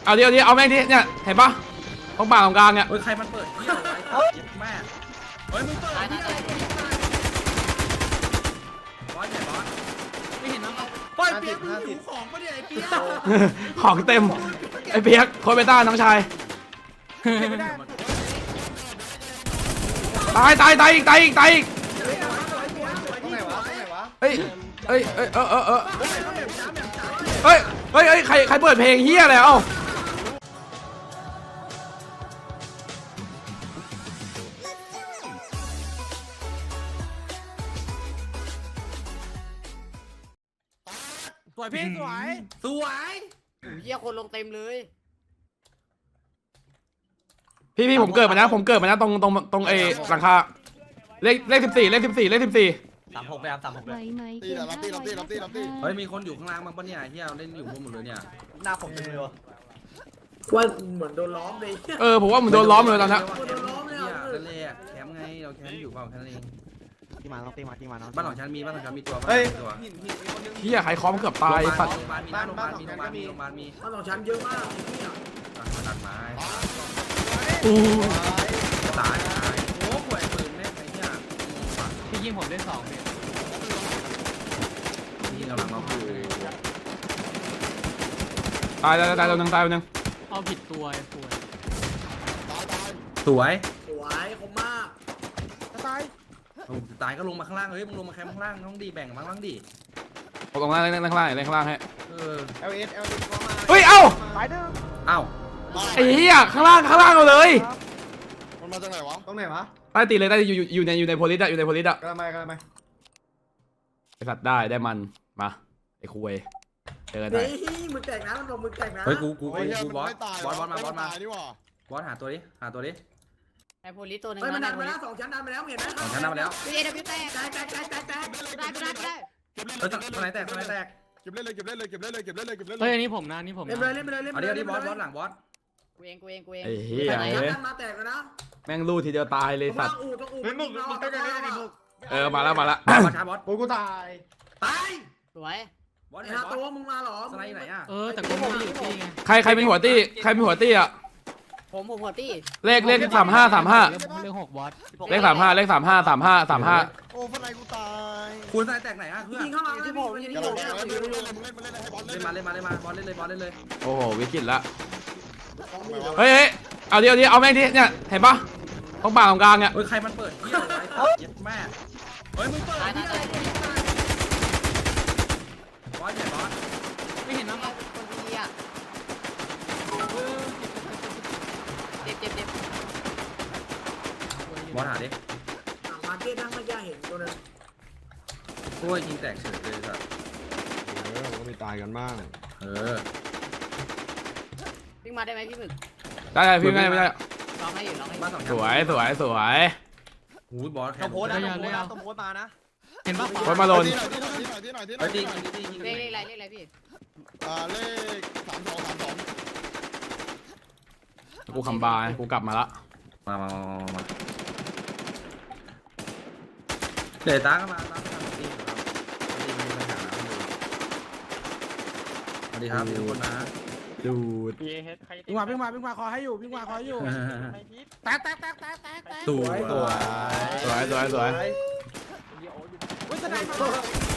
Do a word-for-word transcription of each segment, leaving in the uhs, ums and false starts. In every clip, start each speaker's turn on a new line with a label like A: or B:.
A: เอาเดี๋ยวเดี๋ยวเอาแม่งดิเนี่ยเห็นปะตรงป่าตรงกลางเนี่ย
B: เฮ้ยใครมันเปิดที่อะไรแม่เฮ้ยมึงเปิดที่อะไรบอสเนี่ยบอสไม่เห็นนะปล่อยเปียกมึงหิวของปะเนี่ยไอ้เปียก
A: ของเต็มไอ้เปียกโคเบต้าน้องชายตายตายตายอีกตายอีกตายอีก
C: ตรงไหนวะตรงไหนวะ
A: เฮ้ยเฮ้ยเฮ้ยเออเออเออเฮ้ยเฮ้ยเฮ้ยใครใครเปิดเพลงเฮียอะไรเอ้า
B: สวยพี่สวยสวย
D: เฮียคนลงเต็มเลย
A: พี่พี่ผมเกิดมานะผมเกิดมานะตรงตรงตรงเอหลังคาเลขเลขสิบสี่เลขสิบสี่เลขสิบสี่
B: สามหกไปครับสามหกไป
C: ตีแต่รับตีรับตีรับตีรับตี
B: เฮ้ยมีคนอยู่ข้างล่างบ้างปะเนี่ยที่เราเล่นอยู่บนหมดเลยเนี่ยหน้าผมเต็มเลยวะ
E: ว่าเหมือนโดนล้อมเลย
A: เออผมว่ามันโดนล้อมเลยตอนนี้
E: โดนล้อมเลย
B: นั่นเลยอะแคมป์ไงเราแคมป์อยู่เปล่าแค่นั้นเอง
C: ตีมาต้องตีมาตีมาน้อง
B: บ้านของฉันมีบ้านของฉันมีตัวบ้าน
C: เฮ้ย
B: ตัว
C: หินหินมีคนนึง
A: เฮียใครคอมเกือบตายสัตว์
B: โรงพยาบาลมีนะโรงพยาบาลมีโรงพยาบาลมีโรงพยาบาลมี
E: บ้านของฉันเยอะมาก
B: ตัดไม้
A: อู้
B: ตายตายโอ้ป่วยปืนแม่ไอ้เนี่ย
F: พี่ยิงผมได้สองเนี่ย
B: นี่กำลังมาพูด
A: ตายตายตายตัวหนึ่งตายตัวหนึ่ง
F: เอาผิดตัวไอ้ป่วย
B: สวย
E: สวยคมมาก
C: ตาย
B: ตายก็ลงมาข้างล่างเฮ้ยมึงลงมาแคมป์ข้างล่างน้องดีแบ่งมาบ้างดิ
A: ผมลงล่างเล่นข้างล่างเล่นข้างล่างให้
B: เออ
C: เอลเอสเอลเอสเข้ามา
A: เฮ้ยเอ้า
C: ตายเด้อ
B: เอ้า
A: ไอ้เหี้ยข้างล่างข้างล่างเอาเลย
C: มันมาจากไหนวะตรงไหนวะ
A: ใต้ตีเลยใต้อยู่อยู่อยู่ในอยู่ในโพลิสอะอยู่ในโพลิสอะ
C: กระไรกระไร
A: ไอสัตว์ได้ได้มันมาไอ้คุยเจอกันหน่อย
E: นี่มือแตกนะมันโดนมือแตกนะ
B: เฮ้ยกูกูกูกูบอสบอสบอสมาบอสมา
C: นี่หว่า
B: บอสหาตัวดิหาตัวดิ
D: ไอโพลิสตัวหนึง
E: เฮ้ยมันดัน
D: ไอโพ
E: มา
D: ลิ
E: แล้ว
D: ส
E: สองชั้นดันมาแล้วเห็นไหม
B: ของฉันนำมาแล้ว
D: พี่เอเดบิวแตก
E: แตกแตกแตกแตกแตก
D: ได้ได้ได้
B: เฮ้ยตัวไหนแตกตัวไหนแตก
C: เก็บเล่นเลยเก็บเล่นเลยเก็บเล่นเลยเก็บเล่นเลยเก็บเล่นเล
F: เฮ้ย
C: ย
F: อันนี้ผมนะอันนี้ผม
E: เล่น
F: นะ
E: เลยเล่นไปเลยเล่น
B: เอา
E: ไป
B: ดิ
E: เลย
B: เอาดิบอสบอสหลังบอส
D: กูเองกูเองกูเอง
A: ไอ้เหี้ย
E: ชั้น
A: เอ้ย
E: มาแตกแล้วนะ
A: แม่งลู่ทีเดียวตายเลยสัตว์
E: อู่ต้องอู่
C: เฮ้ยมึงมึงต้องการเล่นดิมึง
A: เออมาแล้วมาแล้ว
B: บอสช้าบอส
C: กูกูตาย
E: ตาย
D: สวย
B: บอส
E: ไอ้
B: ไหน
E: ฮา
B: บอ
E: ตัว
B: ส
E: มึงมาหรอ
B: สไลด์ไหนอ่ะ
F: เออแต่กูไม่ได้อยู่ที่ไง
A: ใครใครเป็นหัวตี้ใครเป็นหัวตี้อะ
D: ผมผมหัวตี้
A: เลขเลขสามห้าสามห้า
F: เรื่องเรื่องหกบอส
A: เลขสามห้าเลขสามห้าสามห้าสามห้า
C: โอ้ฟันไหนกูตาย
B: คุณสไลด์แตกไหนอ่ะเพื่อน
E: ยิงเข้ามาที่ผมยิง
C: อย่า
E: ที่
C: หล
E: ผ
C: ง
E: ม
C: เล่นเล่นเล่นมึงเล่นมาเล่นให้บอลเล่
B: เล่
C: น
B: นมาเล่นมาเล่นมาบอสเล่นเลยบอสเล่นเลย
A: โอ้โหวิกฤตละเฮ้ยเฮ้ยเอาเดี๋ยวเดี๋ยวเอาแม่งดิเนี่ยเห็นปะตรงป่าตรงกลางเนี่ย
B: เฮ้ยใครมันเปิดที่อะไรแม่เฮ้ยมึงเปิด
D: ตายตายตาย
B: บอสเนี่ยบอส
F: ไม่เห็นนะ
D: คนดีอ่ะเจ็บเจ็บเจ็บบ
B: อสหาดิ
E: มาเก็ตนั่งไม่ยากเห็นตัวนึง
B: โอ้ยยิงแตกเฉยเลยสัตว์
C: เออมันก็มีตายกันบ้าง
B: เออ
D: วิ่งมาได้ไหมพี่หมึก
A: ได้ได้พี่ไม่ได้ไม่ได้
D: ร้องให้อยู่ร้องให้อ
B: บ้าน
D: ยู่
B: สอง
A: สวยสวยสวย
B: หูบอสแค
C: ต้อ
B: ม
C: งโพสนะต้องโพสนะต้องโพสมานะ
F: เห็นปะ
A: โคตรมาโดน
C: ที่หน่อยที่หน่อยที่หน่อยที่หน่อยที่หน่
B: เฮ้
C: อย ย
B: จริงจริงจริงจริง
D: เลขเลขอะไรเลขอะไรพี่
C: อ่าเลขสามสองสามสอง
A: กูคำบายกูกลับมาละ
B: มามามามาเดี๋ยวตาก็มาตาก็มาดีครับดีมีปัญหาสวัสดีครับทุกคนนะ
A: ดูด
E: วิ่งมาวิ่งมาวิ่งมาคอให้อยู่วิ่งมาคอให้อยู่แตกแตกแตกแตกแตกแตก
B: สวย
C: ตัว
A: สวยสวยสวย
E: วิ่งสนามมา
B: เรื่อง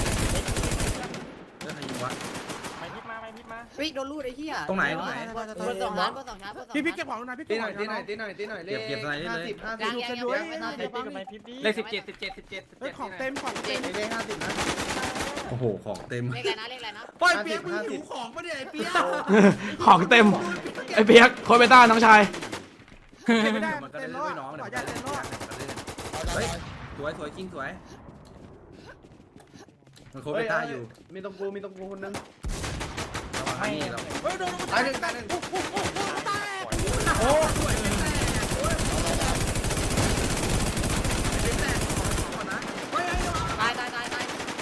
B: อะไรวะ
D: วิ่งโดนลูดไอ้เหี้ย
B: ตรงไหนตรงไหน
D: บนสองชั้นบนสองชั้นบนสองชั้น
E: พี่พี่เก็บของหน่อยพี่
C: ตี
E: เก็บ
C: ห
E: ข
C: น่
E: อ
C: อง ย
E: หน่
C: ตี
E: อย
C: หน่อยตีหน่อยตีหน่อยเลข
B: เก็บเก็บอะไรได้เลย
C: ห้าสิบ
D: ยั
C: ห้าง สิบ
D: ยังยัง
E: ด้วย
D: ไม่นอน
C: เล
D: เดี๋ย
C: ข
D: ว
C: ตี
D: ฟัง
C: กับไม้พิบดี
B: เลขสิบเจ็ดสิบเจ็ดสิบเจ็ดสิบ
E: เฮ้
B: เจ็
E: ย
B: ด
E: ของเต็มของเต็ม
C: เลขห้าสิบนะ
B: โอ้โหของเต็ม
D: เลขอะไรนะเลขอะไรนะ
B: ปล่อยเปียกมึงหิวของปะเนี่ยไอ้เปียก
A: ของเต็มไอ้เปียกโคเบต้าน้องชาย
E: ไม่ได้
B: มันก็
E: เต็
B: ได้
E: ม
B: เล่
E: ร
B: น
E: อ
B: ด้วยน้อง
E: ขอ
B: เดี๋ยว
E: ญาตเต็มรอ
B: เฮ้ยสวยสวยจริงสวยมันโคเบต้าอยู่
C: มีตรงกูมีตรงกูคนนึง
B: ระวังให้เรา
E: เฮ้ยโดน
C: ตายหนึ่งตายหนึ่ง
E: โอ้ย
D: ตายตายตายตาย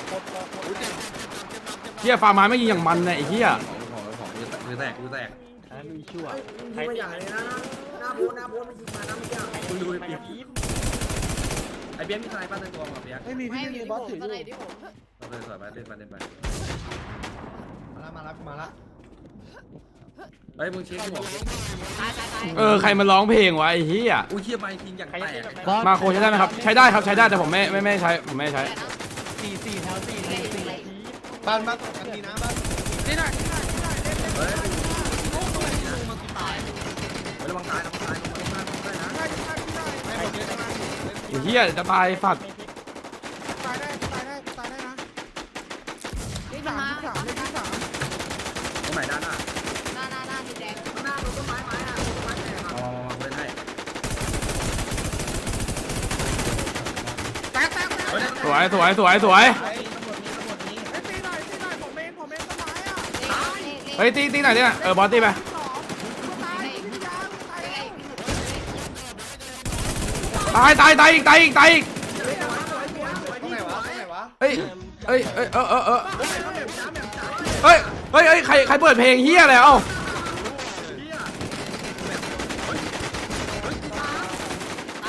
A: เฮียฟาร์มาไม่ยิงอย่างมันเนี่ยไอ้เฮีย
B: ของของของมือแตกมือแตก
E: ยิงมาอย่างเลยนะหน้าโบนหน้าโบนมันยิงมานะไม่ยาก
B: คุณดูไอ้เปียกไอ้เปียกมีทนายป้าเต็มตัวมั้งเปียก
E: ไม่มี
D: ไม่
E: พี่
D: อยู่
E: มี
D: ที่
E: บอส
D: ผม
E: ถืออ
D: ตอนไหน
E: ยู่
D: ที่ผม
B: เราเลยสวยไปเล่นไปเล่นไป
C: มาละมาละมาละ
B: เฮ้ยมึงเช็คหัว
D: ตายตายตาย
A: เออใครมาร้องเพลงวะไอ้เหี้ย
B: อุ้ยเชี่ยไปทิ้งอย่างแตก
F: บอส
A: มาโคใช้ได้ไหมครับใช้ได้ครับใช้ได้แต่ผมไม่ไม่ไม่ใช้ผมไม่ใช้
F: สี่สี่แถวสี่แถวสี่
C: บ้านบ้านตรงกันดีนะบ้าน
E: นี่หน่อยนี่หน่อยนี่หน่อยเล่นเล่น
B: เฮ้ย
D: ตาย
B: ระวังตายระวังตายระวังตายได้นะ
E: ได้ได้ได้
C: ไม่หมดเลยนะ
A: ไอ้เหี้ยจะตายฝัด
E: ตายได้ตายได้ตายได้นะ
D: วิ่ง
E: สาม
D: มา
E: สามเลขที่สาม
B: ตรงไหนด้านหน้า
D: หน้าหน้าหน้าสีแดง
B: อ๋อเล่นให้
E: แตกแตกแตก
A: สวยสวยสวยสวย
C: ไอ้ตำรวจนี้ตำรวจนี้
E: เฮ้ยตีหน่อยตีหน่อยผมเองผมเองต้นไม้อ่ะ
A: เฮ้ยตีตีหน่อยเนี่ยเออบอสตีไป
E: สองตายพี่ยาตาย
A: ตายตายตายอีกตายอีกตายอีก
C: ตรงไหนวะตรงไหนวะ
A: เฮ้ยเฮ้ยเฮ้ยเออเออเออเฮ้ยเฮ้ยเฮ้ยใครใครเปิดเพลงเฮียอะไรเอ้า
D: ตาย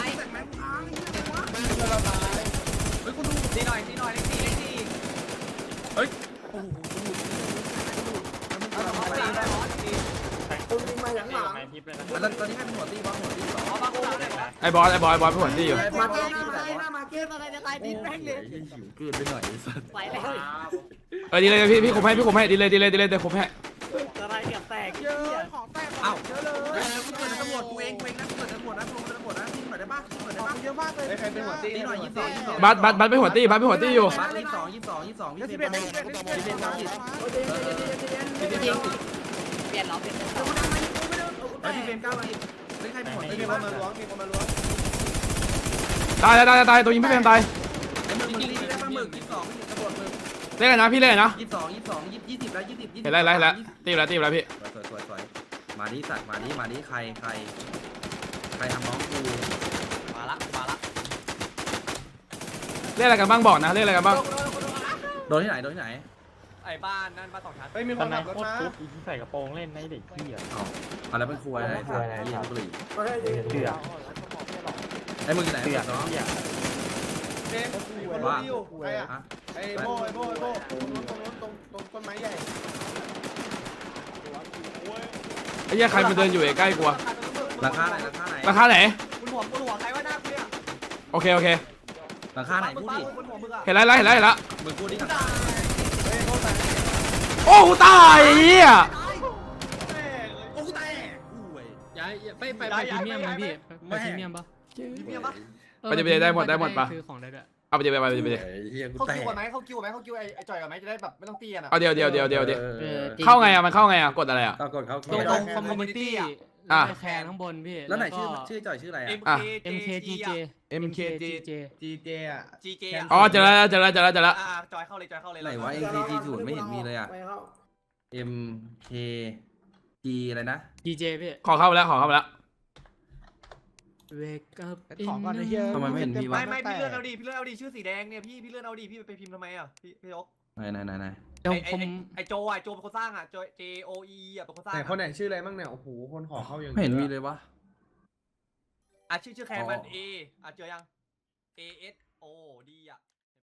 B: เฮ้ยกูดูตีหน่อยตีหน่อยเล็กสี่เล็กสี่เฮ้ยโอ้โหตอนนี้ให้เป็นหัวตีบอลหัวตีสองบางคนเลยนะ
A: ไอ้บอสไอ้บอสไอ้บอสผู้หัวตีอยู่
D: มาตายมาตายมาเกมอะไรจะตายดิแม่งเลย
B: หิวเกินไปหน่อยสัตว์
D: ไปแล้ว
A: เออดีเลยพี่พี่คุมให้พี่คุมให้ดีเลยดีเลยดีเลยเดี๋ยวคุมให้
D: อะไรเกือบแตก
E: เยอะของแตกเยอะเลย
B: เฮ้ยกูเปิดตำรวจกูเองกูเองนะกูเปิดตำรวจนะกูเปิดตำรวจนะทิ้งหน่อยได้ป่ะทิ้งหน่อยได้
E: ขอ
B: ป่ะ
E: งเยอะมากเลย
C: ไอ้ใครเป็นหัวตี
B: ตีหน่อยยี่สิบสองยี่สิบสอง
A: บัสบัสบัสไปหัวตีบัสไปหัวตีอยู่
B: บัสยี่สิบสองยี่สิบสองยี่สิบสองยี่
E: เลข
B: สิ
E: สิ
B: บบ
E: เอ็
B: เอ็
E: ด
B: ด
E: เล
B: เล
E: ข
B: ข
E: สิ
B: สิ
E: บบ เอ็ดเลขสิบเอ็ด
B: เอ็ดเลขสิบ
D: จริงเปลี่ยนเหรอเปลี่ยน
B: เฮ้ยพี่เฟรมเก้าสิบเฮ้ยใครเป็นหัวตี
C: มี
B: บ้า
C: คนมาล้วงมีคนมาล้วง
A: ตายตายตายตายตัวยิงพี่เพมตาย
B: ไอ้มึงมึงตีได้ป่ะมึงยี่สิบสองตำรวจมึง
A: เล่นกันนะพี่เล่นกันนะ
B: ยี่สิบสองยี่สิบสองยี่สิบยี่สิบแล้วยี่สิบยี่สิบ
A: เห็นไรไรแล้วตีอยู่แล้วตีอยู่แล้วพี่
B: สวยสวยสวยมาดิสัตว์มาดิมาดิใครใครใครทำน้องกูมาละมาละ
A: เล่นอะไรกันบ้างบอกนะเล่นอะไรกันบ้าง
B: โดนที่ไหนโดนที่ไหน
G: ไอ้บ้านนั่นบ้านสองชั้น
C: เฮ้ยมีคนขับรถมา
G: ใส่กระโปรงเล่นในเด็กพี่อ่ะ
B: อ๋ออะไรเป็นครัวอะไรสัตว์ยี่บุรี
G: เสือ
B: ไอ้มึงที่ไหนเนาะ
C: เจ๊คนรู้ที่อยู่ใครอ่ะไอ้โบไอ้โบไอ้โบตรงนู้นตรงนู้นตรงตรงต้นไม้ใหญ่
A: ไอ้เหี้ยใครมาเดินอยู่ใกล้กู
B: ราคาไหนราคาไหน
A: ราคาไหน
G: คุณหัวคุณหัวใครว่าหน้ากูเนี่ย
A: โอเคโอเค
B: ราคาไหน
G: มึง
B: พูด
G: บ้า
B: ดิ
G: คุณหัวมึงอ่ะ
A: เห็นไรไรเห็นไรเห็นละ
B: มึงพูดดิ
C: เฮ้ยโบแต่
A: โอ้กูตายไอ้เหี้ย
B: โอ้กูแตกอุ้ย
F: ย้ายไปไปไปพรีเมียมไหมพี่ไปพรีเมียมปะ
G: เมียปะ
A: ไปเดี๋ยวไปเดี๋ยวได้หมดได้หมดปะ
F: ซื้อของได้ด้วย
A: เอาไปเดี๋ยวไปไปเดี๋ยวไปเดี๋ยว
B: เฮียกู
G: เขา
B: แต
G: คิว
B: ก
G: กันไหมเขาคิวไหมเขาคิวไอ้ไอ้จ่อยกันไหมจะได้แบบไม่ต้องตีกันอ่ะ
A: เอาเดี๋ยวเดี๋ยวเดี๋ยวเดี๋ยวเดี๋ยว
F: เออ
A: เข้าไงอ่ะมันเข้าไงอ่ะกดอะไรอ่ะ
B: ก็กดเขา
F: ตรงตรงคอมมูนิตี้
A: อ่ะ
F: แคนข้างบนพี่
B: แล้วไหนชื่อชื่อจ่อยชื่ออะไร
G: เอ็
B: อ่ะ
G: ม
F: เอ็มเคจีเจ
A: เอ็ม
F: เคจีเจ
C: จีเจอ่ะ
G: จีเจ
A: อ๋อเจอแล้วเจอแล้วเจอแล้วเจอแล้ว
G: อ่าจอยเข้าเลยจอยเข้าเลย
B: ไหนวะ M K G ศูนย์ไม่เห็นมีเลยอ่ะ M K G อะไรนะ
F: จีเจพี่
A: ขอเข้าไปแล้วขอเข้าไปแล้ว
F: Wake up
E: ของก่อนไอ้เหี้ย
B: ทำไมไม่เห็นมีวะ
G: ไม่ไม่พี่เลื่อนเอาดิพี่เลื่อนเอาดิชื่อสีแดงเนี่ยพี่พี่เลื่อนเอาดิพี่ไปพิมพ์ทำไมอ่ะพี่พี่ยก
B: ไหนไหนไหนไหน
F: เดี๋ยว
G: ไอ้ไอ้
F: ผม
G: ไอ้โจอ่ะโจเป็นคนสร้างอ่ะโจ J O E อ่ะเป็นคนสร้าง
C: ไหนคนไหนชื่ออะไรบ้างเนี่ยโอ้โหคนขอเข้าอย่าง
B: ไม่เห็นมีเลยวะ
G: อ่ะชื่อชื่อแคนมัน A อ่ะเจอยัง A S O D อ่ะ